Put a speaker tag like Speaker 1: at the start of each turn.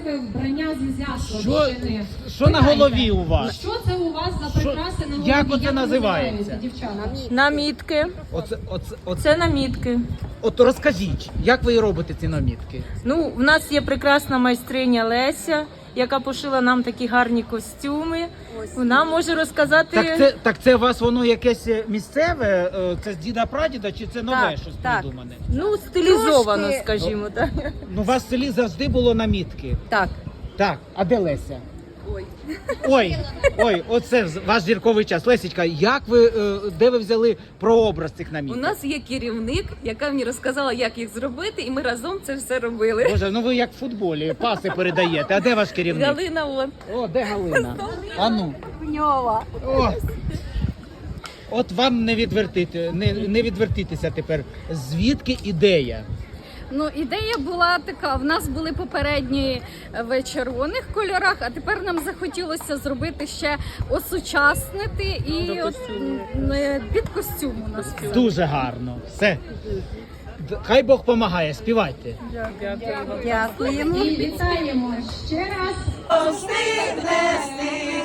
Speaker 1: красиве вбрання з ізяслав.
Speaker 2: Що на голові у вас?
Speaker 1: Що це у вас за прикраси на голові?
Speaker 2: Як оце називається?
Speaker 1: Дівчата?
Speaker 3: Намітки.
Speaker 2: Оце.
Speaker 3: Це намітки.
Speaker 2: От розкажіть, як ви робите ці намітки?
Speaker 3: Ну, в нас є прекрасна майстриня Леся, яка пошила нам такі гарні костюми. Вона може розказати.
Speaker 2: Так це у вас воно якесь місцеве? Це з діда-прадіда чи це нове
Speaker 3: Так,
Speaker 2: щось
Speaker 3: так.
Speaker 2: придумане?
Speaker 3: Ну, стилізовано,
Speaker 4: Трошки.
Speaker 3: скажімо так.
Speaker 2: Ну, у вас в селі завжди було намітки.
Speaker 3: Так.
Speaker 2: Так, а де Леся? Ой, оце ваш зірковий час. Лесічка, де ви взяли прообраз цих
Speaker 5: У
Speaker 2: наміток?
Speaker 5: нас є керівник, яка мені розказала, як їх зробити, і ми разом це все робили.
Speaker 2: Боже, ну ви як в футболі, паси передаєте. А де ваш керівник?
Speaker 5: Галина вон.
Speaker 2: О, де Галина? А ну.
Speaker 4: Пньова.
Speaker 2: О. От вам не відвертитися тепер. Звідки ідея?
Speaker 4: Ну, ідея була така. В нас були попередні в червоних кольорах, а тепер нам захотілося зробити ще осучаснити і от, під костюм у нас.
Speaker 2: Дуже гарно. Все. Хай Бог помагає, співайте.
Speaker 4: Дякуємо.
Speaker 1: І вітаємо ще раз.
Speaker 6: Встигне